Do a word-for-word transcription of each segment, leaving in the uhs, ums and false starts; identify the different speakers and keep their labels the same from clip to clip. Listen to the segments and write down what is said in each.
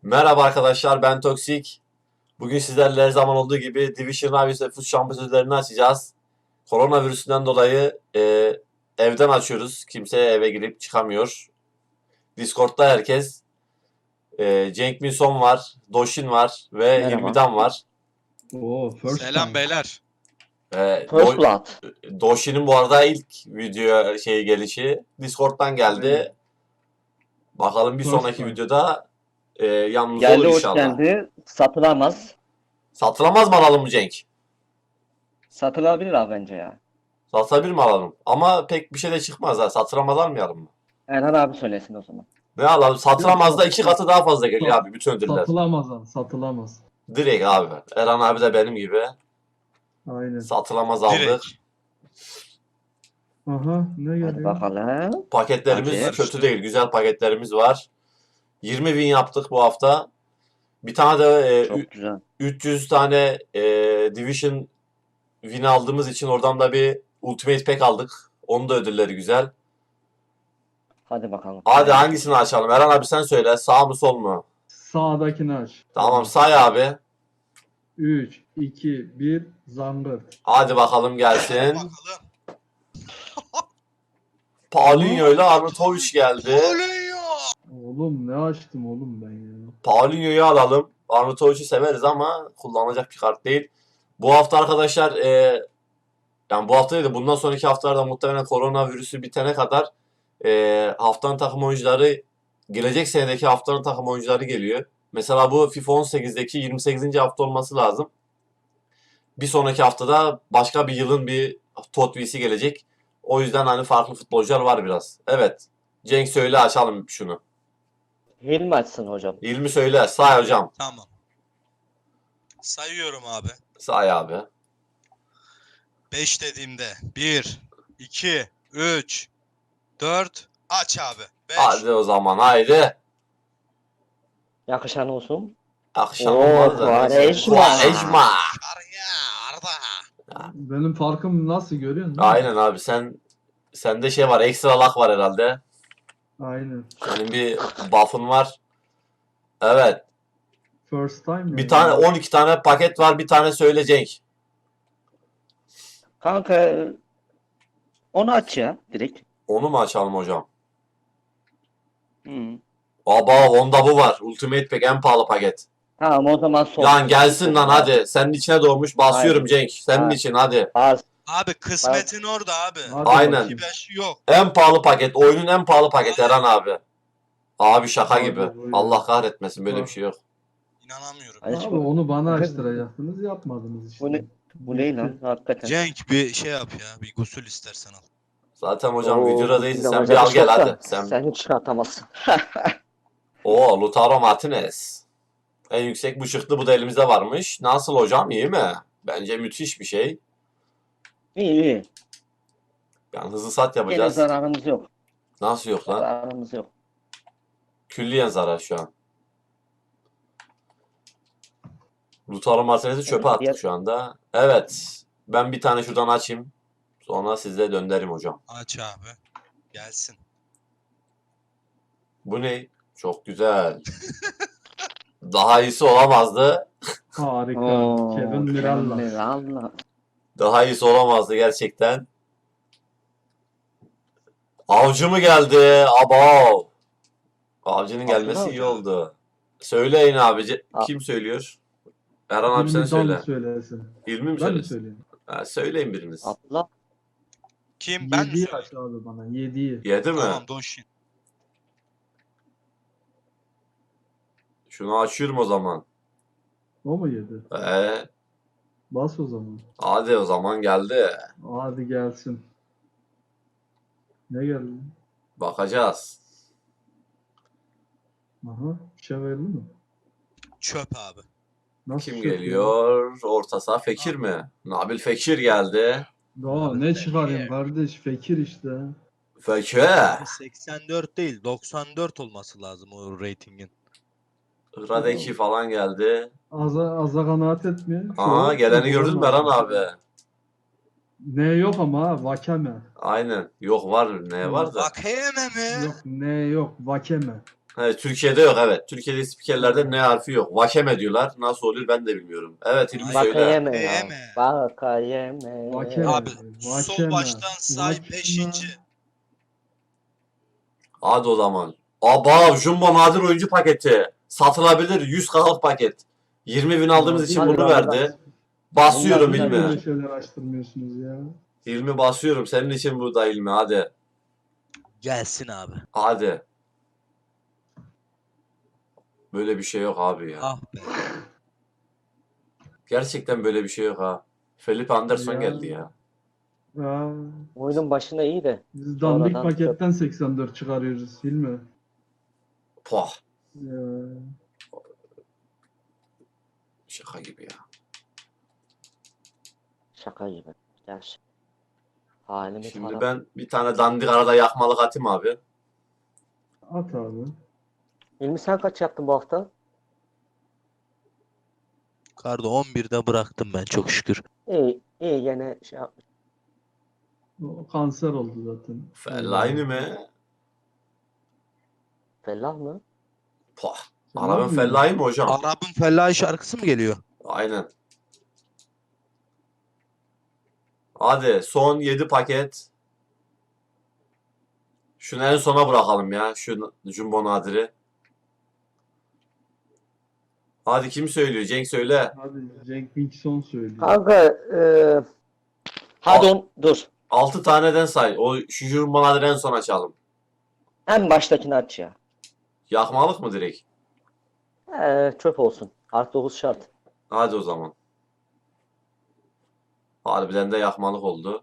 Speaker 1: Merhaba arkadaşlar, ben Toksik. Bugün sizlerle her zaman olduğu gibi Division Rivals ve Foot şampiyonlarını açacağız. Koronavirüsünden dolayı e, evden açıyoruz. Kimse eve girip çıkamıyor. Discord'da herkes. E, Cenk Minson var, Doshin var ve
Speaker 2: Merhaba.
Speaker 1: Hilmi'den var.
Speaker 3: Oo, first
Speaker 4: Selam
Speaker 3: time.
Speaker 4: beyler.
Speaker 1: E,
Speaker 2: First
Speaker 1: Do-
Speaker 2: Blood.
Speaker 1: Doshin'in bu arada ilk video şey gelişi Discord'dan geldi.
Speaker 3: Evet.
Speaker 1: Bakalım bir
Speaker 3: First
Speaker 1: sonraki
Speaker 3: time.
Speaker 1: videoda e, yanımızda
Speaker 2: Geldi
Speaker 1: olur
Speaker 2: hoş
Speaker 1: inşallah.
Speaker 2: geldi. Satılamaz.
Speaker 1: Satılamaz mı alalım mı Cenk?
Speaker 2: Satılabilir abi bence ya.
Speaker 1: Satabilir mi alalım? Ama pek bir şey de çıkmaz ha. Satılamaz almayalım mı?
Speaker 2: Erhan abi söylesin o zaman.
Speaker 1: Ne alalım? Satılamaz da iki katı daha fazla geliyor
Speaker 3: Sat-
Speaker 1: abi bütün ödüller.
Speaker 3: Satılamaz abi, satılamaz.
Speaker 1: Direkt abi. Eren abi de benim gibi.
Speaker 3: Aynen.
Speaker 1: Satılamaz aldık.
Speaker 4: Direkt.
Speaker 3: Aha, ne
Speaker 2: Hadi
Speaker 3: geliyor?
Speaker 2: bakalım.
Speaker 1: Paketlerimiz
Speaker 2: Hadi.
Speaker 1: kötü değil. Güzel paketlerimiz var. yirmi win yaptık bu hafta. Bir tane de e,
Speaker 2: Çok
Speaker 1: ü-
Speaker 2: güzel.
Speaker 1: üç yüz tane e, Division win aldığımız için oradan da bir Ultimate Pack aldık. Onun da ödülleri güzel.
Speaker 2: Hadi bakalım.
Speaker 1: Hadi hangisini açalım? Eren abi sen söyle. Sağ mı sol mu?
Speaker 3: Sağdakini aç.
Speaker 1: Tamam say abi.
Speaker 3: üç, iki, bir, zangırt.
Speaker 1: Hadi bakalım gelsin.
Speaker 4: Bakalım.
Speaker 1: Paulinho ile Arnautovic geldi.
Speaker 4: Oluyor.
Speaker 3: Oğlum ne açtım oğlum ben ya.
Speaker 1: Paulinho'yu alalım. Arnautovic'i severiz ama kullanılacak bir kart değil. Bu hafta arkadaşlar e, yani bu hafta değil de bundan sonraki haftalarda muhtemelen koronavirüsü bitene kadar e, haftanın takım oyuncuları gelecek senedeki haftanın takım oyuncuları geliyor. Mesela bu FIFA on sekizdeki yirmi sekizinci hafta olması lazım. Bir sonraki haftada başka bir yılın bir Tot V'si gelecek. O yüzden hani farklı futbolcular var biraz. Evet. Cenk söyle açalım şunu.
Speaker 2: Hilmi açsın hocam.
Speaker 1: İlmi söyle. Say hocam.
Speaker 4: Tamam. Sayıyorum abi.
Speaker 1: Say abi.
Speaker 4: beş dediğimde bir, iki, üç, dört. Aç abi. beş.
Speaker 1: Hadi o zaman haydi.
Speaker 2: Yakışan olsun.
Speaker 1: Akşam
Speaker 2: Oo,
Speaker 1: olmaz da. neyse.
Speaker 2: Quaresma.
Speaker 1: Quaresma.
Speaker 4: Arya, Arda.
Speaker 3: Benim farkım nasıl görüyor musun?
Speaker 1: Aynen abi sen sende şey var ekstra lak var herhalde.
Speaker 3: Aynen.
Speaker 1: Senin bir buff'ın var. Evet.
Speaker 3: First time.
Speaker 1: Bir
Speaker 3: ya.
Speaker 1: tane on iki tane paket var. Bir tane söyle Cenk.
Speaker 2: Kanka onu aç ya direkt.
Speaker 1: Onu mu açalım hocam?
Speaker 2: Hı.
Speaker 1: Aba onda bu var. Ultimate Pack en pahalı paket.
Speaker 2: Tamam o zaman son.
Speaker 1: Lan gelsin lan hadi. Senin içine doğmuş. Basıyorum
Speaker 2: Hayır.
Speaker 1: Cenk. Senin
Speaker 2: Hayır.
Speaker 1: için hadi.
Speaker 2: Az.
Speaker 4: Abi kısmetin orada abi.
Speaker 3: Hadi
Speaker 1: Aynen.
Speaker 3: bakayım.
Speaker 4: iki beş yok.
Speaker 1: En pahalı paket. Oyunun en pahalı paketi Eren abi. Abi şaka
Speaker 3: Hadi
Speaker 1: gibi.
Speaker 3: buyurun.
Speaker 1: Allah kahretmesin böyle
Speaker 3: Ha.
Speaker 1: bir şey yok.
Speaker 4: İnanamıyorum.
Speaker 2: Hadi
Speaker 3: Abi
Speaker 2: şimdi.
Speaker 3: onu bana
Speaker 2: Bakın.
Speaker 3: açtıracaktınız yapmadınız işte.
Speaker 2: Bu ne? Bu ne lan hakikaten.
Speaker 4: Cenk bir şey yap ya. Bir gusül istersen al.
Speaker 1: Zaten hocam
Speaker 2: Oo,
Speaker 1: videoda değilsin.
Speaker 2: bizim
Speaker 1: Sen bir
Speaker 2: hocam
Speaker 1: al gel
Speaker 2: çok da
Speaker 1: hadi. Sen...
Speaker 2: Sen hiç çıkartamazsın.
Speaker 1: Oo Lautaro Martinez. En yüksek bu çıktı. Bu da elimizde varmış. Nasıl hocam? İyi mi? Bence müthiş bir şey.
Speaker 2: İyi iyi.
Speaker 1: Yani hızlı sat
Speaker 2: Gene
Speaker 1: yapacağız.
Speaker 2: zararımız yok.
Speaker 1: Nasıl yok lan?
Speaker 2: Zararımız yok.
Speaker 1: Külliyen zarar şu an. Lautaro Martinez'i çöpe
Speaker 2: Evet,
Speaker 1: attık
Speaker 2: diğer-
Speaker 1: şu anda. Evet. Ben bir tane şuradan açayım. Sonra size döndüreyim hocam.
Speaker 4: Aç abi. Gelsin.
Speaker 1: Bu ne? Çok güzel. Daha iyisi olamazdı.
Speaker 3: Harika.
Speaker 2: Oo,
Speaker 3: Kevin
Speaker 2: Kevin
Speaker 3: Mirallas.
Speaker 2: Mirallas.
Speaker 1: Daha iyisi olamazdı gerçekten. Avcı mı geldi? Abo. Avcının gelmesi
Speaker 2: Avcı
Speaker 1: iyi
Speaker 2: mı?
Speaker 1: oldu. Söyleyin abici.
Speaker 2: A-
Speaker 1: Kim söylüyor? Erhan abi sen
Speaker 3: Hilmi
Speaker 1: söyle.
Speaker 3: Dan söylesin.
Speaker 1: İlmi mi
Speaker 3: Ben mi
Speaker 1: söylesin?
Speaker 3: söyleyeyim?
Speaker 1: Ha, söyleyin biriniz.
Speaker 2: Abla.
Speaker 4: Kim? Ben mi
Speaker 3: Yediyi
Speaker 4: söyleyeyim?
Speaker 3: aç abi bana. Yediyi.
Speaker 1: Yedi mi?
Speaker 4: Tamam Doshin.
Speaker 1: Şunu açıyorum o zaman.
Speaker 3: O mu yedi?
Speaker 1: Ee,
Speaker 3: Bas o zaman.
Speaker 1: hadi o zaman geldi.
Speaker 3: Hadi gelsin. Ne geldi?
Speaker 1: Bakacağız.
Speaker 3: Aha. Şeverli mi?
Speaker 4: Çöp abi.
Speaker 3: Nasıl
Speaker 1: Kim
Speaker 3: şey
Speaker 1: geliyor? Orta saha Fekir mi? Nabil Fekir geldi.
Speaker 3: Daha ne çıkarayım kardeş? Fekir işte.
Speaker 1: Fekir.
Speaker 4: Abi seksen dört değil doksan dört olması lazım o ratingin.
Speaker 1: Radeki falan geldi.
Speaker 3: Aza, aza kanaat etmiyor. Şu
Speaker 1: Aa
Speaker 3: an-
Speaker 1: geleni gördün mü Erhan abi?
Speaker 3: Ne yok ama ha, Vakeme.
Speaker 1: Aynen. Yok var. Ne var da?
Speaker 4: Vakayeme mi?
Speaker 3: Yok ne yok Vakeme.
Speaker 1: Evet, Türkiye'de yok evet. Türkiye'de spikerlerde ne harfi yok. Vakeme diyorlar. Nasıl oluyor ben de bilmiyorum. Evet İlmi söyle.
Speaker 2: Vakayeme ya.
Speaker 4: Yeme.
Speaker 2: Vakayeme.
Speaker 3: Vakeme.
Speaker 4: Abi
Speaker 3: Vakeme.
Speaker 4: sol baştan say
Speaker 3: Vakeme.
Speaker 4: beşinci.
Speaker 1: Hadi o zaman. Aba Jumbo nadir oyuncu paketi. Satılabilir yüz kalıp paket. yirmi bin aldığımız için
Speaker 2: Hadi
Speaker 1: bunu
Speaker 2: lan,
Speaker 1: verdi. Basıyorum
Speaker 2: Bunlar
Speaker 3: Niye
Speaker 1: İlmi.
Speaker 3: böyle şeyler açtırmıyorsunuz ya?
Speaker 1: İlmi basıyorum. Senin için burada İlmi hadi.
Speaker 4: Gelsin abi.
Speaker 1: Hadi. Böyle bir şey yok abi ya.
Speaker 4: Ah be.
Speaker 1: Gerçekten böyle bir şey yok ha. Felipe Anderson
Speaker 3: Ya.
Speaker 1: geldi ya.
Speaker 3: Aa,
Speaker 2: Oyunun başında iyi de.
Speaker 3: biz dandik
Speaker 2: Sonradan
Speaker 3: paketten seksen dört çıkarıyoruz değil mi?
Speaker 1: Poh.
Speaker 3: Ya.
Speaker 1: Şaka gibi ya.
Speaker 2: Şaka gibi. Gerçi. Halimi
Speaker 1: Şimdi
Speaker 2: taraf.
Speaker 1: ben bir tane dandik arada yakmalık atayım abi.
Speaker 3: At abi.
Speaker 2: İlmi sen kaç yaptın bu hafta?
Speaker 4: Kardo on birde bıraktım ben çok şükür.
Speaker 2: İyi. iyi gene şey yapmış.
Speaker 3: O kanser oldu zaten.
Speaker 1: Fellaini mi?
Speaker 2: Fellah mı?
Speaker 1: Poh.
Speaker 3: Sen
Speaker 1: Arabın
Speaker 3: ne yapıyorsun?
Speaker 1: fellahi mi hocam?
Speaker 4: Arap'ın Fellahi şarkısı mı geliyor?
Speaker 1: Aynen. Hadi son yedi paket. Şunu en sona bırakalım ya. Şu Jumbo Nadir'i. Hadi kim söylüyor? Cenk söyle.
Speaker 3: Hadi Cenk Wilson söylüyor.
Speaker 2: Kanka eee hadi on, dur.
Speaker 1: altı taneden say. O şu Jumbo Nadir'i en son açalım.
Speaker 2: En baştakini aç ya.
Speaker 1: Yakmalık mı direkt?
Speaker 2: Ee, çöp olsun. Artı dokuz şart.
Speaker 1: Hadi o zaman. Harbiden de yakmalık oldu.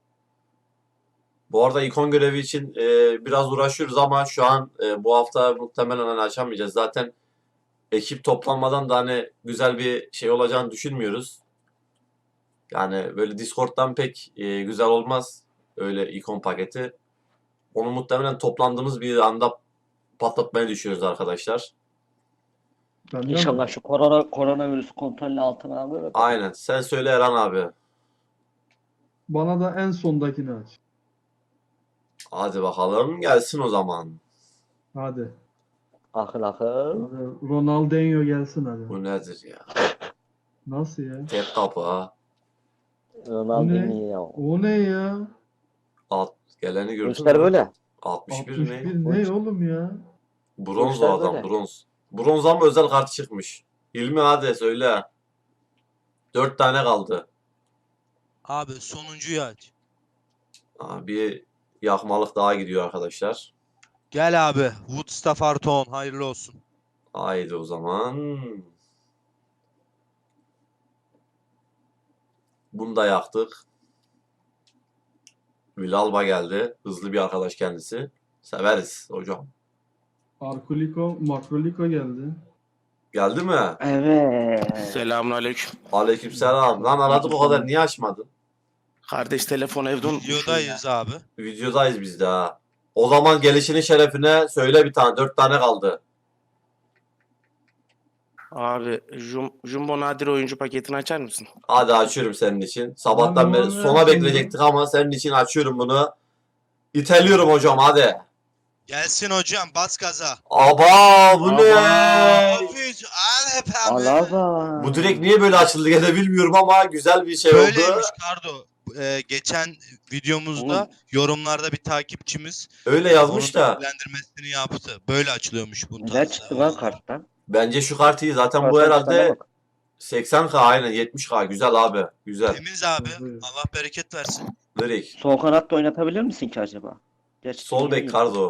Speaker 1: Bu arada ikon görevi için e, biraz uğraşıyoruz ama şu an e, bu hafta muhtemelen hani açamayacağız. Zaten ekip toplanmadan da hani güzel bir şey olacağını düşünmüyoruz. Yani böyle Discord'dan pek e, güzel olmaz öyle ikon paketi. Onu muhtemelen toplandığımız bir anda patlatmaya düşüyoruz arkadaşlar.
Speaker 3: Benden
Speaker 2: İnşallah şu korona koronavirüsü kontrolü altına alır.
Speaker 1: Aynen. Sen söyle Eren abi.
Speaker 3: Bana da en sondakini aç.
Speaker 1: Hadi bakalım gelsin o zaman.
Speaker 3: Hadi.
Speaker 2: Akıl akıl.
Speaker 3: Hadi. Ronaldinho gelsin hadi.
Speaker 1: Bu nedir ya?
Speaker 3: Nasıl ya?
Speaker 1: Tek kapı ha.
Speaker 2: Ronaldinho.
Speaker 3: O ne ya?
Speaker 1: Alt, geleni
Speaker 2: Bu
Speaker 1: gördün
Speaker 2: işler
Speaker 1: mü?
Speaker 2: böyle.
Speaker 1: altmış bir
Speaker 3: altmış
Speaker 1: ne?
Speaker 3: bir ne oğlum ya?
Speaker 1: Bronz o
Speaker 2: işler
Speaker 1: adam
Speaker 2: böyle.
Speaker 1: bronz. Bronz ama özel kart çıkmış. İlmi hadi söyle. Dört tane kaldı.
Speaker 4: Abi sonuncuyu aç.
Speaker 1: Aa, bir yakmalık daha gidiyor arkadaşlar.
Speaker 4: Gel abi. Woodstaff artı on. Hayırlı olsun.
Speaker 1: Haydi o zaman. Bunu da yaktık. Villalba geldi. Hızlı bir arkadaş kendisi. Severiz hocam.
Speaker 3: Arkuliko, Makroliko geldi.
Speaker 1: Geldi mi?
Speaker 2: Evet.
Speaker 5: Selamünaleyküm.
Speaker 1: Aleykümselam. Lan aradık o kadar niye açmadın?
Speaker 5: Kardeş telefon evde unutmuşum ya.
Speaker 4: Videodayız abi.
Speaker 1: Videodayız biz de ha. O zaman gelişinin şerefine söyle bir tane. Dört tane kaldı.
Speaker 5: Abi Jum, Jumbo Nadir oyuncu paketini açar mısın?
Speaker 1: Hadi açıyorum senin için. Sabahtan
Speaker 3: Tamam,
Speaker 1: beri
Speaker 3: ver
Speaker 1: sona
Speaker 3: şimdi.
Speaker 1: bekleyecektik ama senin için açıyorum bunu. İteliyorum hocam hadi.
Speaker 4: Gelsin hocam. Bas gaza.
Speaker 1: Aba bu ne?
Speaker 4: Hafiz. Al hep abi.
Speaker 2: Alaba.
Speaker 1: Bu direkt niye böyle açıldı gene bilmiyorum ama güzel bir şey oldu.
Speaker 4: Böyleymiş Kardo. Ee, geçen videomuzda
Speaker 2: Oğlum.
Speaker 4: yorumlarda bir takipçimiz
Speaker 1: Öyle yazmış
Speaker 4: onun
Speaker 1: da.
Speaker 4: bilgilendirmesini yaptı. Böyle açılıyormuş bu
Speaker 2: Güzel
Speaker 4: tarzda.
Speaker 2: çıktı lan karttan.
Speaker 1: Bence şu kart iyi. Zaten bu
Speaker 2: Kartın
Speaker 1: herhalde
Speaker 2: çıkana bak.
Speaker 1: seksen K aynen yetmiş K. Güzel abi. Güzel.
Speaker 4: Temiz abi.
Speaker 3: Evet.
Speaker 4: Allah bereket versin.
Speaker 1: Direkt.
Speaker 2: Sol kanatta oynatabilir misin ki acaba? Gerçi
Speaker 1: Sol bek
Speaker 2: bilmiyorum.
Speaker 1: Kardo.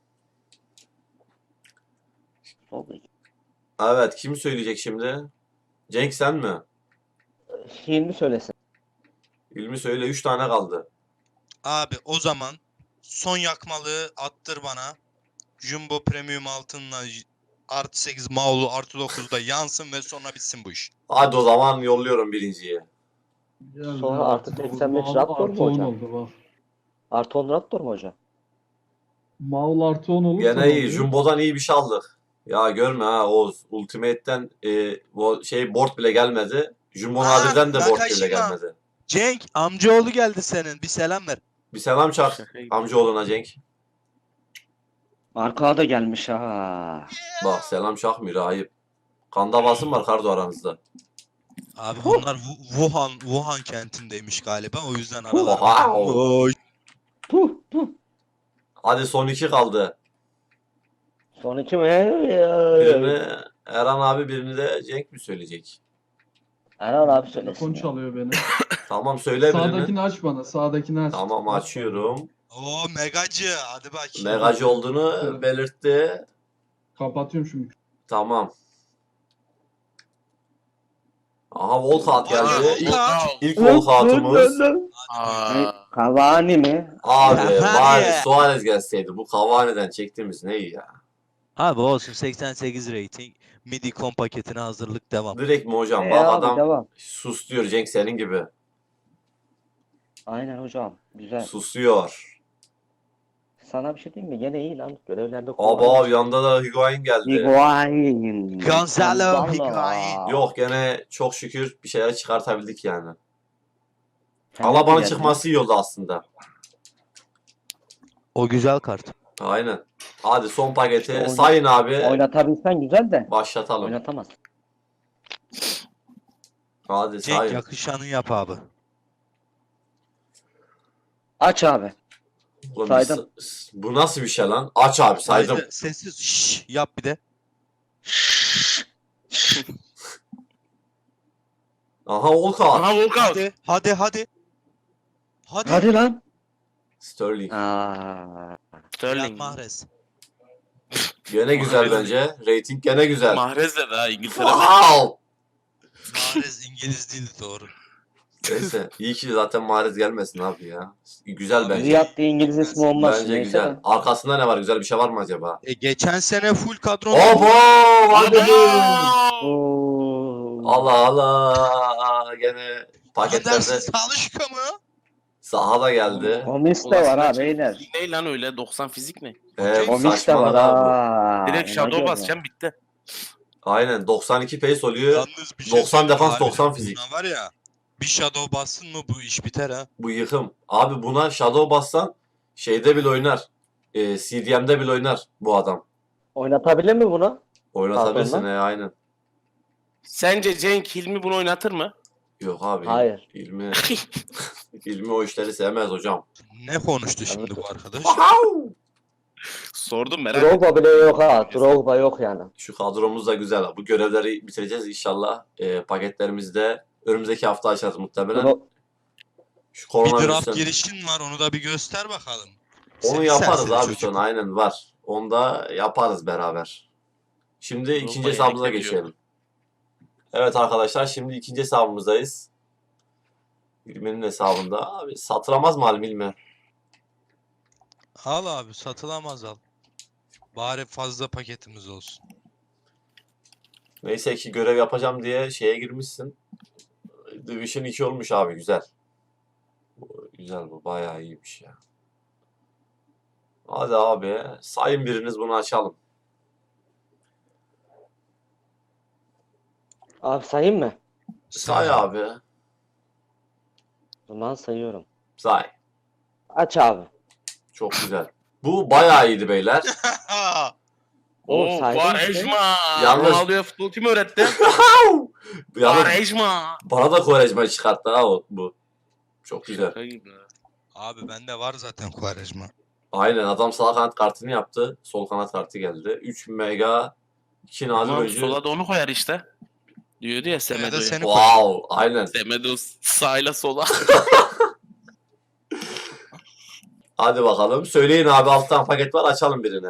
Speaker 2: Sol bek.
Speaker 1: Evet kim söyleyecek şimdi? Cenk sen mi?
Speaker 2: Hilmi söylesin.
Speaker 1: İlmi söyle üç tane kaldı.
Speaker 4: Abi o zaman son yakmalığı attır bana. Jumbo Premium altınla artı sekiz Maulu artı dokuzda yansın ve sonra bitsin bu iş.
Speaker 1: Hadi o zaman yolluyorum birinciyi.
Speaker 3: Geldi.
Speaker 2: Sonra artı seksen beş
Speaker 3: Maul
Speaker 2: Raptor mu
Speaker 3: artı on
Speaker 2: hocam?
Speaker 3: oldu bak.
Speaker 2: Artı on Raptor mu hocam?
Speaker 3: Maul artı on olursa
Speaker 1: Gene
Speaker 3: ne
Speaker 1: iyi.
Speaker 3: oluyor?
Speaker 1: Jumbo'dan iyi bir şey aldık. Ya görme ha Oğuz. Ultimate'den e, bu şey board bile gelmedi. Jumbo
Speaker 4: Aa,
Speaker 1: Nadir'den de board bile
Speaker 4: Nakashima.
Speaker 1: gelmedi.
Speaker 4: Cenk amcaoğlu geldi senin. Bir selam ver.
Speaker 1: Bir selam çak
Speaker 5: Şaka gibi.
Speaker 1: amcaoğluna Cenk.
Speaker 2: Marka da gelmiş ha.
Speaker 1: Bak selam Şahmir ayıp. Kan davası mı var Kardo aranızda?
Speaker 4: Abi bunlar Wu- Wuhan Wuhan kentindeymiş galiba. O yüzden
Speaker 1: Wow.
Speaker 4: aralarında. Oy.
Speaker 2: Puh puh.
Speaker 1: Hadi son iki kaldı.
Speaker 2: Son iki mi?
Speaker 1: Birini Erhan abi, birini de Cenk mi söyleyecek?
Speaker 2: Erhan abi
Speaker 3: Telefon
Speaker 2: söylesin ya.
Speaker 3: çalıyor beni.
Speaker 1: Tamam söyle birini.
Speaker 3: Sağdakini aç bana. Sağdakini aç.
Speaker 1: Tamam
Speaker 3: Aç
Speaker 1: açıyorum.
Speaker 4: Oo megacı. Hadi bakayım.
Speaker 1: Megacı olduğunu
Speaker 3: Evet.
Speaker 1: belirtti.
Speaker 3: bana. Kapatıyorum şimdi.
Speaker 1: Tamam. Aha Volkat geldi.
Speaker 4: Hadi
Speaker 1: İlk,
Speaker 4: Volkat.
Speaker 1: ilk Volkat'ımız.
Speaker 5: Aa,
Speaker 2: Cavani mi?
Speaker 1: Abi
Speaker 4: Cavani.
Speaker 1: bari Suarez gelseydi. Bu Cavani'den çektiğimiz ne iyi ya.
Speaker 6: Abi olsun seksen sekiz rating. Midi-com paketine hazırlık devam.
Speaker 1: Direkt mi hocam?
Speaker 2: E
Speaker 1: Bak
Speaker 2: abi
Speaker 1: adam
Speaker 2: devam.
Speaker 1: sus diyor Cenk senin gibi.
Speaker 2: Aynen hocam. Güzel.
Speaker 1: Susuyor.
Speaker 2: Sana bir şey diyeyim mi? Gene iyi lan. Görevlerde
Speaker 1: Aba yanında da Higuain geldi.
Speaker 2: Higuain.
Speaker 6: Gonzalo Higuain.
Speaker 1: Yok gene çok şükür bir şeyler çıkartabildik yani.
Speaker 2: Kendisi
Speaker 1: Alaba'nın
Speaker 2: geldi.
Speaker 1: çıkması iyi oldu aslında.
Speaker 6: O güzel kart.
Speaker 1: Aynen. Hadi son paketi
Speaker 2: İşte oyna-
Speaker 1: sayın abi.
Speaker 2: Oynatabilsen güzel de.
Speaker 1: Başlatalım.
Speaker 2: Oynatamaz.
Speaker 1: Hadi
Speaker 6: Cenk
Speaker 1: sayın.
Speaker 6: yakışanı yap abi.
Speaker 2: Aç abi.
Speaker 1: Oğlum
Speaker 2: saydım.
Speaker 1: biz- Bu nasıl bir şey lan? Aç abi saydım.
Speaker 6: Sessiz, sessiz şşş yap bir de.
Speaker 1: Aha Volkan.
Speaker 5: aha Volkan.
Speaker 4: Hadi hadi hadi. Hadi.
Speaker 2: Hadi lan.
Speaker 1: Sterling.
Speaker 2: Aa.
Speaker 6: Riyad
Speaker 5: Sterling.
Speaker 6: Mahrez.
Speaker 1: Gene güzel
Speaker 5: Mahrez.
Speaker 1: bence. Rating gene güzel.
Speaker 5: Mahrez de daha İngiltere.
Speaker 1: Wow.
Speaker 4: Mahrez İngiliz değildi doğru.
Speaker 1: Neyse. İyi ki zaten Mahrez gelmesin abi ya. Güzel bence.
Speaker 2: Riyad diye İngiliz ismi olmaz.
Speaker 1: Bence
Speaker 2: Neyse
Speaker 1: güzel.
Speaker 2: de.
Speaker 1: Arkasında ne var? Güzel bir şey var mı acaba?
Speaker 4: E, geçen sene full kadro.
Speaker 1: Obo! Hadi.
Speaker 2: Oo.
Speaker 1: Allah Allah. Gene paketlerde
Speaker 4: Andersiz Talişka mı?
Speaker 1: sahada geldi.
Speaker 2: Gomis de var ha beyler.
Speaker 5: Ne lan öyle doksan fizik ne?
Speaker 1: Ee, bu
Speaker 2: Gomis de var
Speaker 1: saçmalık abi.
Speaker 2: ha.
Speaker 5: Direkt
Speaker 2: Ona
Speaker 5: shadow
Speaker 2: göre.
Speaker 5: basacağım bitti.
Speaker 1: Aynen doksan iki pace oluyor.
Speaker 4: Yalnız bir şey
Speaker 1: doksan
Speaker 4: söyleyeyim
Speaker 1: defans,
Speaker 4: abi.
Speaker 1: doksan fizik.
Speaker 4: Buna var ya. Bir shadow bassın mı bu iş biter ha.
Speaker 1: Bu yıkım. Abi buna shadow bassan şeyde bile oynar. Ee, C D M'de bile oynar bu adam.
Speaker 2: Oynatabilir mi bunu?
Speaker 1: Oynatabilirsin
Speaker 2: Pardon
Speaker 1: he aynen.
Speaker 5: Sence Cenk Hilmi bunu oynatır mı?
Speaker 1: Yok abi.
Speaker 2: Hayır.
Speaker 1: İlmi, İlmi o işleri sevmez hocam.
Speaker 4: Ne konuştu şimdi bu arkadaş?
Speaker 5: Sordum merak ettim.
Speaker 2: Drogba bile yok ha. Drogba yok yani.
Speaker 1: Şu kadromuz da güzel. Bu görevleri bitireceğiz inşallah. Ee, paketlerimizde önümüzdeki hafta açarız muhtemelen.
Speaker 2: Dro-
Speaker 1: Şu
Speaker 4: Bir
Speaker 1: korona
Speaker 4: draft
Speaker 1: virüsü-
Speaker 4: girişin var onu da bir göster bakalım.
Speaker 1: Onu
Speaker 4: Seni
Speaker 1: yaparız
Speaker 4: serseri
Speaker 1: abi
Speaker 4: çocuk.
Speaker 1: sonra. Aynen var. Onu da yaparız beraber. Şimdi
Speaker 5: Yok,
Speaker 1: ikinci
Speaker 5: bayağı
Speaker 1: hesabımıza
Speaker 5: eklebiliyor.
Speaker 1: geçelim. Evet arkadaşlar şimdi ikinci hesabımızdayız. İlmi'nin hesabında. Abi satıramaz mı Halim İlmi?
Speaker 4: Al abi satılamaz al. Bari fazla paketimiz olsun.
Speaker 1: Neyse ki görev yapacağım diye şeye girmişsin. Division iki olmuş abi güzel. Bu, güzel bu bayağı iyiymiş ya. Hadi abi sayın biriniz bunu açalım.
Speaker 2: Abi sayayım mı?
Speaker 1: Say abi.
Speaker 2: O zaman sayıyorum.
Speaker 1: Say.
Speaker 2: Aç abi.
Speaker 1: Çok güzel. Bu bayağı iyiydi beyler.
Speaker 2: Oğlum
Speaker 5: Oo
Speaker 2: saydın
Speaker 5: Quaresma.
Speaker 1: Yalnız-
Speaker 5: Ronaldo'ya futbol kim öğretti?
Speaker 1: Yalnız
Speaker 5: Quaresma.
Speaker 1: bana da Quaresma çıkarttı ha o, bu. Çok güzel.
Speaker 5: Şaka gibi.
Speaker 4: Abi bende var zaten Quaresma.
Speaker 1: Aynen adam sağ kanat kartını yaptı. Sol kanat kartı geldi. üç mega iki nadir
Speaker 5: Tamam
Speaker 1: oyuncu.
Speaker 5: sola da onu koyar işte. Diyordu ya
Speaker 4: Ya da
Speaker 5: Semedo'ya.
Speaker 4: seni koy.
Speaker 1: Wow, aynen.
Speaker 5: Semedo sağıyla sola.
Speaker 1: Hadi bakalım. Söyleyin abi alttan paket var açalım birini.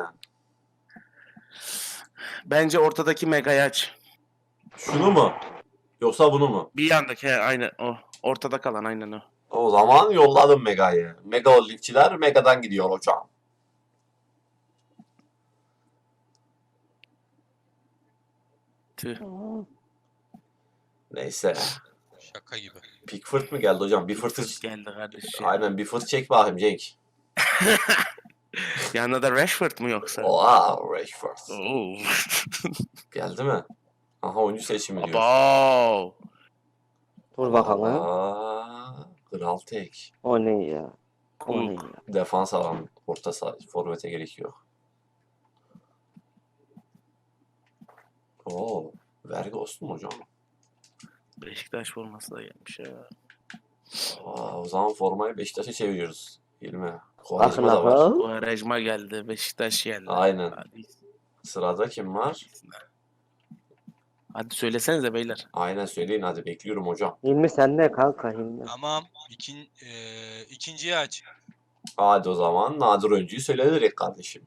Speaker 5: Bence ortadaki Mega'yı aç.
Speaker 1: Şunu mu? Yoksa bunu mu?
Speaker 5: Bir yandaki he, aynen o. Ortada kalan aynen o.
Speaker 1: O zaman yolladım Mega'yı. Mega Holdingçiler Mega'dan gidiyor hocam.
Speaker 5: Tüh.
Speaker 1: Neyse.
Speaker 4: Şaka gibi.
Speaker 1: Pickford mu geldi hocam? Bir fırtı...
Speaker 5: Fırt geldi kardeşim.
Speaker 1: Aynen bir fırt çek bakayım Cenk.
Speaker 5: Yanında da Rashford mu yoksa?
Speaker 1: Wow, Rashford.
Speaker 5: Oo.
Speaker 1: Geldi mi? Aha oyuncu seçimi diyor.
Speaker 5: Abo.
Speaker 2: Dur bakalım.
Speaker 1: Aa, kral tek.
Speaker 2: O ne ya? O ne ya?
Speaker 1: Defans alan orta saha forvete gerek yok. Oo, vergi olsun mu hocam?
Speaker 5: Beşiktaş forması da gelmiş ya.
Speaker 1: Aa, o zaman formayı Beşiktaş'a çeviriyoruz. Hilmi.
Speaker 2: Bakın
Speaker 1: Quaresma da var.
Speaker 2: bakalım.
Speaker 5: Quaresma geldi. Beşiktaş geldi.
Speaker 1: Aynen.
Speaker 5: Hadi,
Speaker 1: Sırada kim var?
Speaker 5: hadi söylesenize beyler.
Speaker 1: Aynen söyleyin hadi bekliyorum hocam.
Speaker 2: Hilmi sen ne kanka Hilmi?
Speaker 4: Tamam. İkin, eee, ikinciyi aç.
Speaker 1: Hadi o zaman nadir oyuncuyu söyle direkt kardeşim.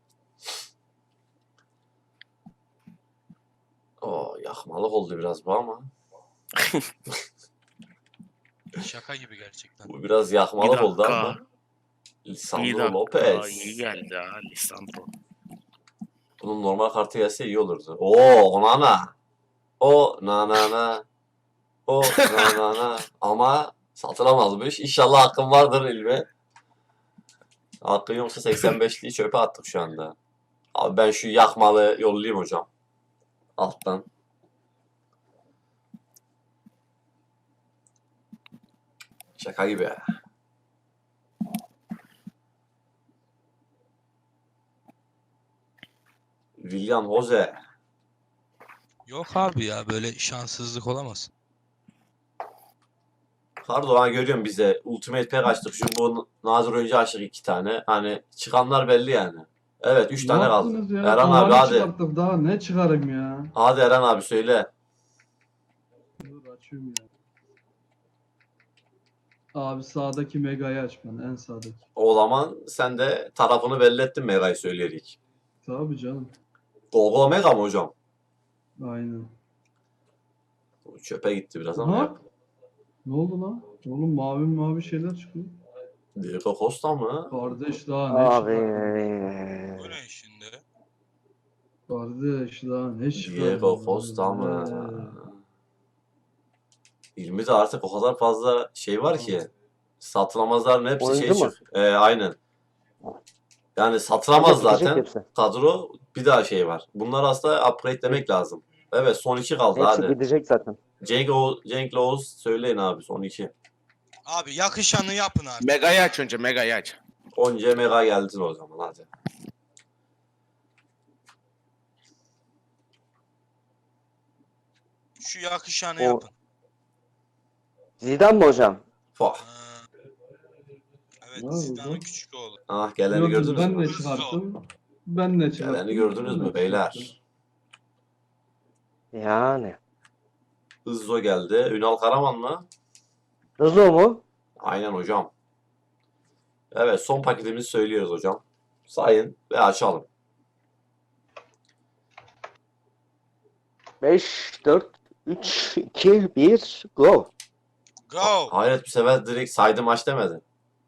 Speaker 1: Oo, yakmalık oldu biraz bu ama.
Speaker 4: Şaka gibi gerçekten.
Speaker 1: Bu biraz
Speaker 5: Bir
Speaker 1: yakmalık oldu
Speaker 5: dakika.
Speaker 1: ama.
Speaker 5: Bir
Speaker 1: Lisandro
Speaker 5: dakika.
Speaker 1: Lopez.
Speaker 5: İyi geldi ha Lisandro.
Speaker 1: Bunun normal kartı gelse iyi olurdu. Oo, Onana. O na na na. O na na na. Ama satılamazmış. İnşallah hakkım vardır ilmi. Hakkın yoksa seksen beşliği çöpe attık şu anda. Abi ben şu yakmalı yollayayım hocam. Alttan. Şaka gibi. William Jose.
Speaker 4: Yok abi ya böyle şanssızlık olamaz.
Speaker 1: Pardon görüyorum bize. Ultimate Pack açtık. Şu bu nazır oyuncu açtık iki tane. Hani çıkanlar belli yani. Evet üç
Speaker 3: Ne
Speaker 1: tane kaldı.
Speaker 3: yaptınız ya?
Speaker 1: Eren abi
Speaker 3: Tavanı
Speaker 1: hadi.
Speaker 3: çıkarttık daha ne çıkarım ya?
Speaker 1: Hadi Eren abi söyle.
Speaker 3: Dur açıyorum ya. Abi sağdaki Mega'yı aç bana en sağdaki.
Speaker 1: O zaman sen de tarafını belli ettin Mega'yı söyleyerek.
Speaker 3: Tabii canım.
Speaker 1: Gogo Mega mı hocam?
Speaker 3: Aynen.
Speaker 1: Bu çöpe gitti biraz ama
Speaker 3: Aha.
Speaker 1: yap.
Speaker 3: Ne oldu lan? Oğlum mavi mavi şeyler çıkıyor.
Speaker 1: Diego Costa mı?
Speaker 3: Kardeş daha ne
Speaker 2: Abi.
Speaker 3: çıkarttın?
Speaker 4: Bu ne şimdi?
Speaker 3: Kardeş daha ne çıkarttın?
Speaker 1: Diego Costa mı? İlmi artık o kadar fazla şey var ki. Satılamazların hepsi şey
Speaker 2: Oyuncu mu?
Speaker 1: çık. Ee, aynen. Yani satılamaz
Speaker 2: Gidecek
Speaker 1: zaten.
Speaker 2: hepsi.
Speaker 1: Kadro bir daha şey var. Bunlar aslında upgrade demek lazım. Evet son iki kaldı
Speaker 2: Hepsi
Speaker 1: hadi.
Speaker 2: gidecek zaten.
Speaker 1: Cenk, o Cenk'le Oğuz söyleyin abi son iki.
Speaker 4: Abi yakışanı yapın abi.
Speaker 5: Mega'yı aç önce Mega'yı aç.
Speaker 1: Onca mega geldin o zaman hadi.
Speaker 4: Şu yakışanı
Speaker 2: O-
Speaker 4: yapın.
Speaker 2: Zidane mi hocam?
Speaker 1: Fah.
Speaker 4: Ha. Evet
Speaker 3: Ne
Speaker 4: Zidane'ın
Speaker 3: oldu?
Speaker 4: küçük oğlu.
Speaker 1: Ah geleni
Speaker 3: Gördünüz
Speaker 1: gördünüz
Speaker 3: ben
Speaker 1: mü?
Speaker 3: ne çıkarttım? Ben ne çıkarttım?
Speaker 1: Geleni gördünüz
Speaker 3: Ben
Speaker 1: mü
Speaker 3: ne
Speaker 1: beyler?
Speaker 3: çıkarttım?
Speaker 2: Yani.
Speaker 1: Hızzo geldi. Ünal Karaman mı?
Speaker 2: Rızo mu?
Speaker 1: Aynen hocam. Evet son paketimizi söylüyoruz hocam. Sayın ve açalım.
Speaker 2: beş, dört, üç, iki, bir, go.
Speaker 4: Go.
Speaker 1: Hayret bu sefer direkt saydı maç demedi.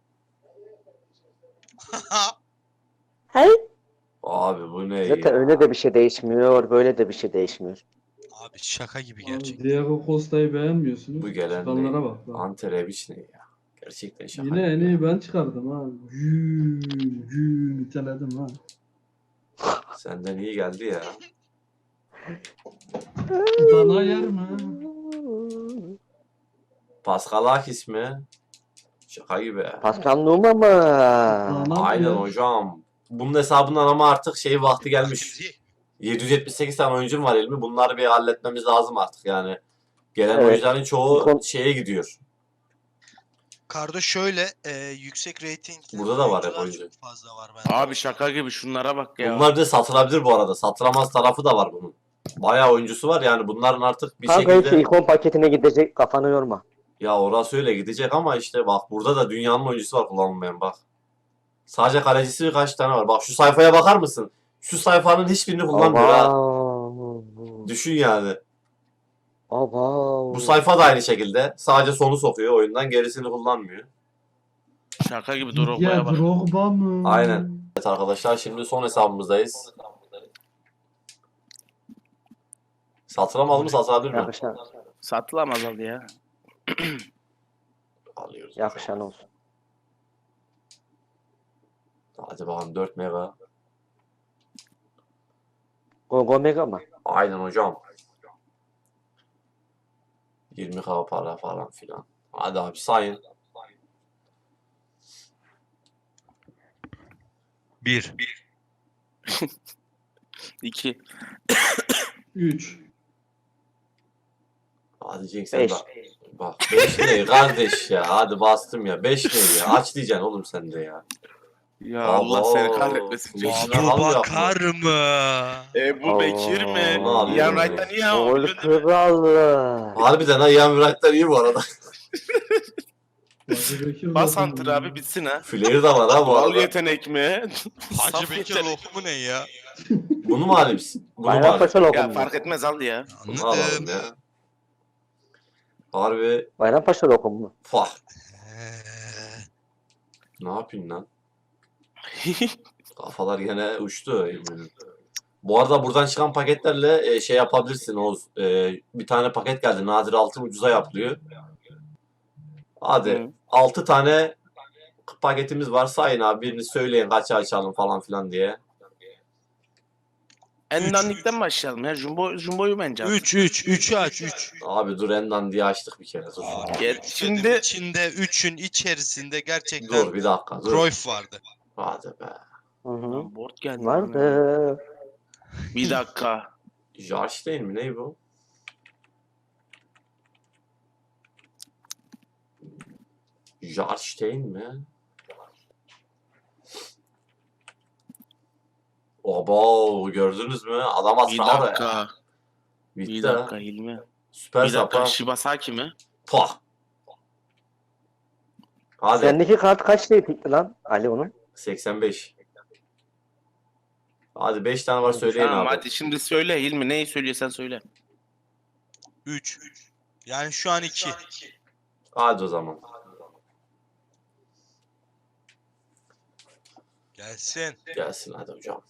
Speaker 2: Hey.
Speaker 1: Abi bu ne
Speaker 2: Zaten
Speaker 1: ya?
Speaker 2: öyle de bir şey değişmiyor, böyle de bir şey değişmiyor.
Speaker 4: Abi şaka gibi
Speaker 3: Abi
Speaker 4: gerçekten.
Speaker 3: Diego Costa'yı beğenmiyorsunuz.
Speaker 1: Bu gelen
Speaker 3: Çıkanlara
Speaker 1: ne?
Speaker 3: bak. bak.
Speaker 1: Ante Rebic ne ya? Gerçekten şaka
Speaker 3: Yine
Speaker 1: gibi
Speaker 3: en
Speaker 1: ya.
Speaker 3: iyi ben çıkardım ha. Gül gül niteledim ha.
Speaker 1: Senden iyi geldi ya.
Speaker 3: Dana yer mi?
Speaker 1: Pascal Akis mi? Şaka gibi.
Speaker 2: Pascal Numa mı?
Speaker 3: Dana
Speaker 1: Aynen
Speaker 3: yer.
Speaker 1: hocam. Bunun hesabından ama artık şey vakti gelmiş.
Speaker 4: Şimdi
Speaker 1: yedi yüz yetmiş sekiz tane oyuncum var elimi. Bunları bir halletmemiz lazım artık yani. Gelen
Speaker 2: Evet.
Speaker 1: oyuncuların çoğu
Speaker 2: Kon-
Speaker 1: şeye gidiyor.
Speaker 4: Kardo şöyle e, yüksek ratingli
Speaker 1: Burada da var hep
Speaker 4: oyuncular
Speaker 1: oyuncu.
Speaker 4: çok fazla var bende.
Speaker 5: Abi şaka gibi şunlara bak ya.
Speaker 1: Bunlar bir de satılabilir bu arada. Satılamaz tarafı da var bunun. Bayağı oyuncusu var yani bunların artık bir
Speaker 2: Kanka hepsi
Speaker 1: şekilde
Speaker 2: ikon paketine gidecek, kafanı yorma.
Speaker 1: ya orası öyle gidecek ama işte bak burada da dünyanın oyuncusu var kullanılmayan bak. Sadece kalecisi birkaç tane var. Bak şu sayfaya bakar mısın? Şu sayfanın hiçbirini kullanmıyor ha.
Speaker 2: Abav.
Speaker 1: Düşün yani.
Speaker 2: Abav.
Speaker 1: Bu sayfa da aynı şekilde. Sadece sonu sokuyor oyundan gerisini kullanmıyor.
Speaker 5: Şaka gibi Drogba'ya
Speaker 3: Ya
Speaker 5: bak.
Speaker 3: Drogba mı?
Speaker 1: Aynen. Evet arkadaşlar şimdi son hesabımızdayız. Satılamaz mı satılabilir mi?
Speaker 2: Yakışan,
Speaker 5: Satılamaz abi ya.
Speaker 1: Alıyoruz.
Speaker 2: yakışan olsun.
Speaker 1: Hadi bakalım dört mega.
Speaker 2: Gogo Mega mı?
Speaker 1: Aynen hocam. yirmi k para falan filan. Hadi abi sayın.
Speaker 4: Bir.
Speaker 5: İki.
Speaker 3: üç.
Speaker 1: Hadi Cenk sen
Speaker 2: Beş.
Speaker 1: bak. Bak beş ne kardeş ya. Hadi bastım ya. beş ne ya. Aç diyeceksin oğlum sen de ya.
Speaker 5: Ya Allah seni kahretmesin.
Speaker 1: Cenk.
Speaker 5: Cenk.
Speaker 1: Şuna
Speaker 4: Abu
Speaker 1: al
Speaker 4: Bakar mı?
Speaker 5: Ebu Bekir mi?
Speaker 1: Onu alıyorum
Speaker 5: Ian
Speaker 1: ben.
Speaker 5: Wright'tan iyi ama
Speaker 2: Gol
Speaker 5: biliyorsun değil mi?
Speaker 2: kralı.
Speaker 1: Harbiden ha Ian Wright'lar iyi bu arada.
Speaker 3: Hacı Bekir
Speaker 5: Bas
Speaker 3: zaten
Speaker 5: Hunter
Speaker 3: iyi.
Speaker 5: abi bitsin ha.
Speaker 1: Flair de var ha bu
Speaker 5: Doğal
Speaker 1: arada.
Speaker 5: yetenek mi?
Speaker 4: Hacı
Speaker 5: Saf
Speaker 4: Bekir
Speaker 5: yetenek.
Speaker 4: lokumu ne ya?
Speaker 1: Bunu mu alayım? Bunu mu alayım?
Speaker 2: Bayrampaşa
Speaker 5: Ya
Speaker 2: lokumu.
Speaker 5: fark etmez al ya.
Speaker 1: Bunu alalım
Speaker 4: Anladım.
Speaker 1: ya. Harbi.
Speaker 2: Bayrampaşa lokumu.
Speaker 1: Fah.
Speaker 4: Eee,
Speaker 1: Ne yapayım lan? Kafalar gene uçtu. Bu arada buradan çıkan paketlerle e, şey yapabilirsin Oğuz. E, bir tane paket geldi. Nadir altın ucuza yapılıyor. Hadi.
Speaker 5: Hı.
Speaker 1: altı tane paketimiz var. Sayın abi birini söyleyin kaça açalım falan filan diye.
Speaker 5: En dandikten başlayalım ya. Jumbo, Jumbo'yu bence al.
Speaker 4: üç üç üçü aç üç.
Speaker 1: Abi dur Endan diye açtık bir kere. Dur.
Speaker 5: Gel,
Speaker 4: Şimdi
Speaker 5: şimdi
Speaker 4: içinde üçün içerisinde gerçekten
Speaker 1: Dur bir dakika. Dur.
Speaker 4: Cruyff vardı.
Speaker 1: Hadi be.
Speaker 2: Hı hı.
Speaker 5: Lan board geldi.
Speaker 2: Vardı.
Speaker 5: Bir dakika.
Speaker 1: Jarş değil mi? Ne bu? Jarstein mi? Oba gördünüz mü? Adam
Speaker 5: Bir
Speaker 1: aslında ara ya.
Speaker 5: dakika.
Speaker 1: Bitti
Speaker 5: Bir
Speaker 1: ha.
Speaker 5: dakika Hilmi.
Speaker 1: Süper
Speaker 5: Bir dakika
Speaker 1: sapa.
Speaker 5: Shibasaki mi?
Speaker 1: Pah. Hadi.
Speaker 2: Sendeki kart kaç reytingli lan Ali onun?
Speaker 1: seksen beş. Hadi beş tane var söyleyin
Speaker 5: Tamam
Speaker 1: abi.
Speaker 5: hadi şimdi söyle Hilmi. Neyi söylüyorsan söyle.
Speaker 4: üç. Yani şu an iki.
Speaker 1: Hadi o zaman.
Speaker 4: Gelsin.
Speaker 1: Gelsin hadi hocam.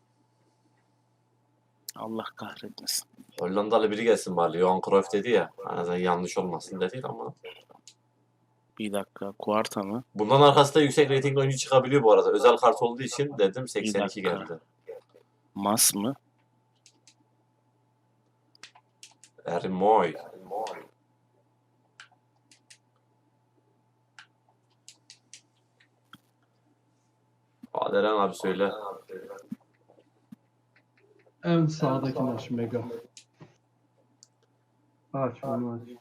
Speaker 5: Allah kahretmesin.
Speaker 1: Hollandalı biri gelsin bari. Johan Cruyff dedi ya. Hani yanlış olmasın dedi ama.
Speaker 5: Bir dakika. Kuarta mı?
Speaker 1: Bundan arkasında yüksek reytingli oyuncu çıkabiliyor bu arada. Özel kart olduğu için dedim seksen iki
Speaker 5: dakika.
Speaker 1: geldi.
Speaker 5: Mas mı?
Speaker 1: Ermoy. Hadi Eren abi söyle.
Speaker 3: En sağdakini aç Mega. Aç onu aç.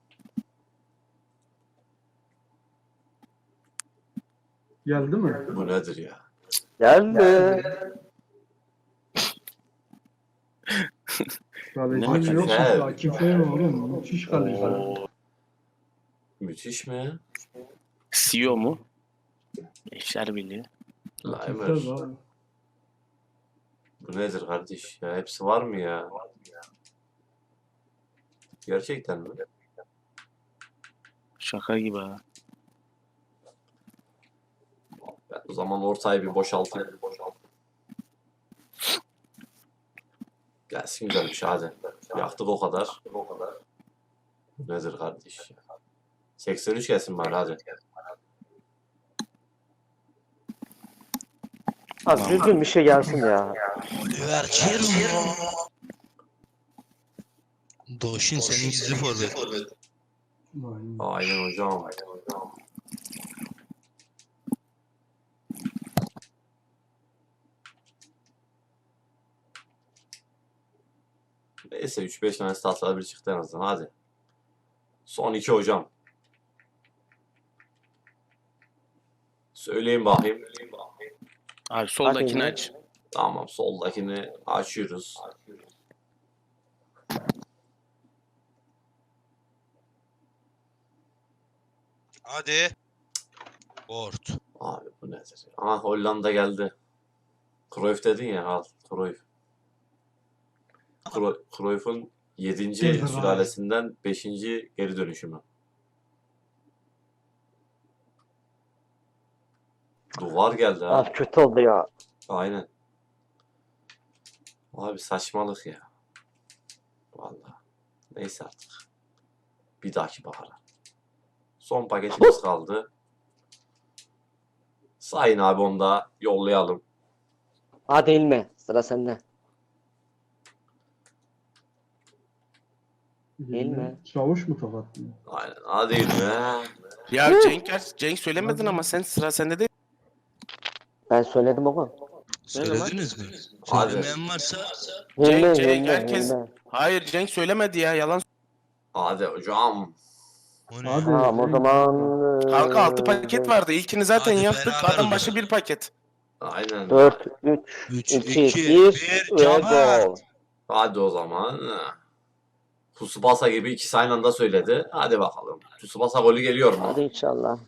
Speaker 3: Geldi mi?
Speaker 1: Bu nedir ya?
Speaker 2: Geldi.
Speaker 3: Kalecim
Speaker 5: Ne
Speaker 3: yok mu?
Speaker 1: hakikaten?
Speaker 3: Akif Bey oğlum. Müthiş kaleci.
Speaker 5: Oo.
Speaker 1: Müthiş mi?
Speaker 5: C E O mu? Eşler Birliği.
Speaker 1: Laimer.
Speaker 3: Akif Bey abi.
Speaker 1: Bu nedir kardeş? Ya hepsi var mı ya? Gerçekten mi?
Speaker 5: Şaka gibi ha.
Speaker 1: Ben o zaman ortayı bir boşaltayım. Gelsin güzel bir şey hadi. Yaktık o kadar. Bu nedir kardeş ya? seksen üç gelsin bari hadi.
Speaker 2: Az düzgün bir şey gelsin ya.
Speaker 4: Oliver Giroud. Doşin senin gizli forvet.
Speaker 3: Aynen.
Speaker 1: Aynen hocam. Neyse üç beş tane statlar bir çıktı en azından hadi. Son iki hocam. Söyleyin bakayım.
Speaker 5: Abi soldakini
Speaker 2: Hadi.
Speaker 5: aç.
Speaker 1: Tamam soldakini açıyoruz.
Speaker 4: Hadi. Board.
Speaker 1: Abi bu nedir? Aha Hollanda geldi. Cruyff dedin ya al Cruyff. Cru- Cruyff'un yedinci
Speaker 3: Devray.
Speaker 1: sülalesinden beşinci geri dönüşümü. Duvar geldi ha.
Speaker 2: Az kötü oldu ya.
Speaker 1: Aynen. Abi saçmalık ya. Vallahi. Neyse artık. Bir dahaki bahara. Son paketimiz kaldı. Sayın abi onu da yollayalım.
Speaker 2: Hadi İlmi. Sıra sende. Değil mi?
Speaker 3: Çavuş mu tokatlıyor?
Speaker 1: Aynen. Hadi be.
Speaker 5: Ya Cenk, Cenk söylemedin ama sen sıra sende değil.
Speaker 2: Ben söyledim ama.
Speaker 4: Söylediniz mi?
Speaker 1: Hadi.
Speaker 4: Söylemeyen varsa
Speaker 5: Cenk,
Speaker 7: Hilmi,
Speaker 5: Cenk,
Speaker 7: Hilmi,
Speaker 5: herkes-
Speaker 7: Hilmi.
Speaker 5: Hayır Cenk söylemedi ya yalan.
Speaker 1: Hadi hocam.
Speaker 4: o ne?
Speaker 3: Hadi.
Speaker 7: Tamam o
Speaker 3: Cenk.
Speaker 7: zaman.
Speaker 5: Kanka altı
Speaker 7: eee,
Speaker 5: paket vardı. İlkini zaten
Speaker 4: Hadi
Speaker 5: yaptık.
Speaker 4: beraber
Speaker 5: Adam
Speaker 4: o
Speaker 5: başı
Speaker 4: zaman.
Speaker 5: bir paket.
Speaker 1: Aynen.
Speaker 7: dört, üç,
Speaker 4: üç,
Speaker 7: iki,
Speaker 4: iki,
Speaker 7: bir
Speaker 4: bir,
Speaker 7: ve
Speaker 4: Caner.
Speaker 7: gol.
Speaker 1: Hadi o zaman. Tsubasa gibi ikisi aynı anda söyledi. Hadi bakalım. Tsubasa golü geliyor mu?
Speaker 7: Hadi inşallah.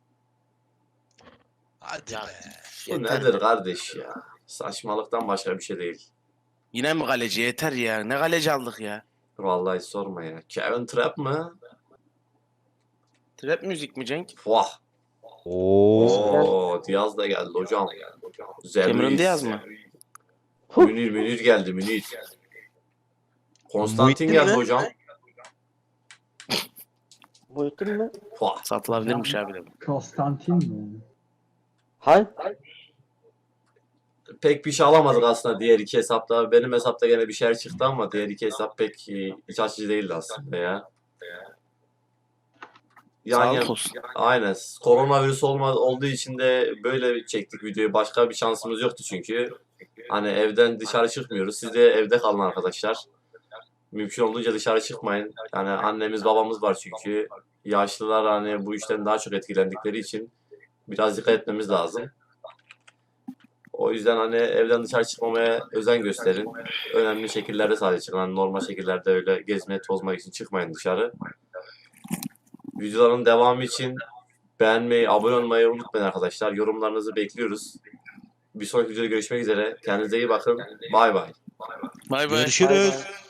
Speaker 4: Hadi
Speaker 5: Ya,
Speaker 4: be.
Speaker 1: Bu
Speaker 5: yeter
Speaker 1: nedir
Speaker 5: be.
Speaker 1: kardeş ya? Saçmalıktan başka bir şey değil.
Speaker 5: Yine mi kaleci? Yeter ya. Ne kaleci aldık ya?
Speaker 1: Vallahi sorma ya. Kevin Trapp mı?
Speaker 5: Trap müzik mi Cenk?
Speaker 1: Vah.
Speaker 6: Oo.
Speaker 1: Oo, Diaz da geldi hocam.
Speaker 5: Cameron
Speaker 1: Zerriz.
Speaker 5: Diaz mı?
Speaker 1: Münir Münir geldi Münir. Konstantin
Speaker 6: Muhittin
Speaker 1: geldi
Speaker 6: mi?
Speaker 1: hocam.
Speaker 7: Muhittin mi?
Speaker 1: Vah.
Speaker 5: Satılabilirmiş abi de.
Speaker 3: Konstantin mi?
Speaker 7: Hay.
Speaker 1: Pek bir şey alamadık aslında diğer iki hesapta. Benim hesapta gene bir şeyler çıktı ama diğer iki hesap pek e, iç açıcı değildi aslında ya. Yan
Speaker 5: Sağlık
Speaker 1: yan-
Speaker 5: olsun.
Speaker 1: Aynen. Koronavirüs olma, olduğu için de böyle çektik videoyu. Başka bir şansımız yoktu çünkü. Hani evden dışarı çıkmıyoruz. Siz de evde kalın arkadaşlar. Mümkün olduğunca dışarı çıkmayın. Yani annemiz babamız var çünkü. Yaşlılar hani bu işten daha çok etkilendikleri için biraz dikkat etmemiz lazım. O yüzden hani evden dışarı çıkmamaya özen gösterin. Önemli şekillerde sadece çıkın. Hani normal şekillerde öyle gezmeye tozmak için çıkmayın dışarı. Videoların devamı için beğenmeyi, abone olmayı unutmayın arkadaşlar. Yorumlarınızı bekliyoruz. Bir sonraki videoda görüşmek üzere. Kendinize iyi bakın. Bay bay.
Speaker 5: Bay bay.
Speaker 4: Görüşürüz.